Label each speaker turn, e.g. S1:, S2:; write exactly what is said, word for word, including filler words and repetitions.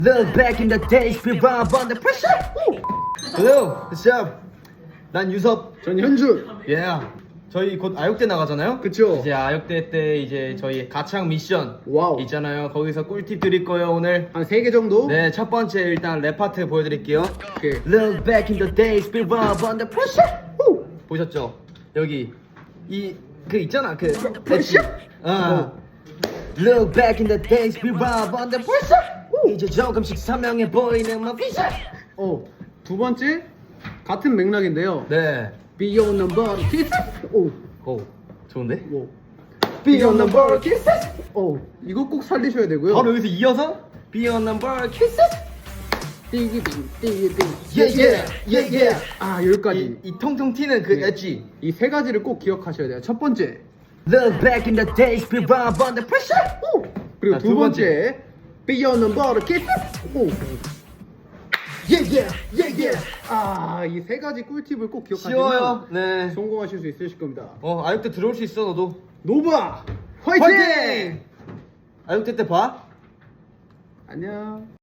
S1: Look back in the days we were under pressure. Hello, what's up? 난 유섭.
S2: 전 현준.
S1: Yeah. 저희 곧 아육대 나가잖아요.
S2: 그쵸.
S1: 이제 아육대 때 이제 저희 가창 미션
S2: 와우.
S1: 있잖아요. 거기서 꿀팁 드릴 거예요 오늘.
S2: 한 세 개 정도?
S1: 네, 첫 번째 일단 랩 파트 보여드릴게요.
S2: 오케이.
S1: Look back in the days we were under pressure. 후! 보셨죠? 여기 이 그 있잖아 그
S2: pressure?
S1: 어. Look back in the days we were under pressure. 이제 조금씩 선명해 보이는 my vision.
S2: 어, 두 번째 같은 맥락인데요.
S1: 네.
S2: Beyond number kisses. 오,
S1: 오, 좋은데?
S2: 오.
S1: Beyond number kisses.
S2: 오, 이거 꼭 살리셔야 되고요.
S1: 바로 여기서 이어서 Beyond number kisses.
S2: 띠기띵, 띠기띵.
S1: Yeah yeah yeah yeah.
S2: 아, 여기까지.
S1: 이, 이 통통 튀는 그
S2: 네.
S1: 엣지.
S2: 이 세 가지를 꼭 기억하셔야 돼요. 첫 번째.
S1: Look back in the days we were under pressure.
S2: 오. 그리고
S1: 자,
S2: 두
S1: 두
S2: 번째. Beyond number kisses. 오.
S1: Yeah yeah yeah yeah.
S2: 아, 이 세 가지 꿀팁을 꼭 기억하시면
S1: 쉬워요. 네.
S2: 성공하실 수 있으실 겁니다.
S1: 어, 아육대 들어올 수 있어 너도.
S2: 노바 화이팅!
S1: 화이팅! 아육대 때 봐.
S2: 안녕.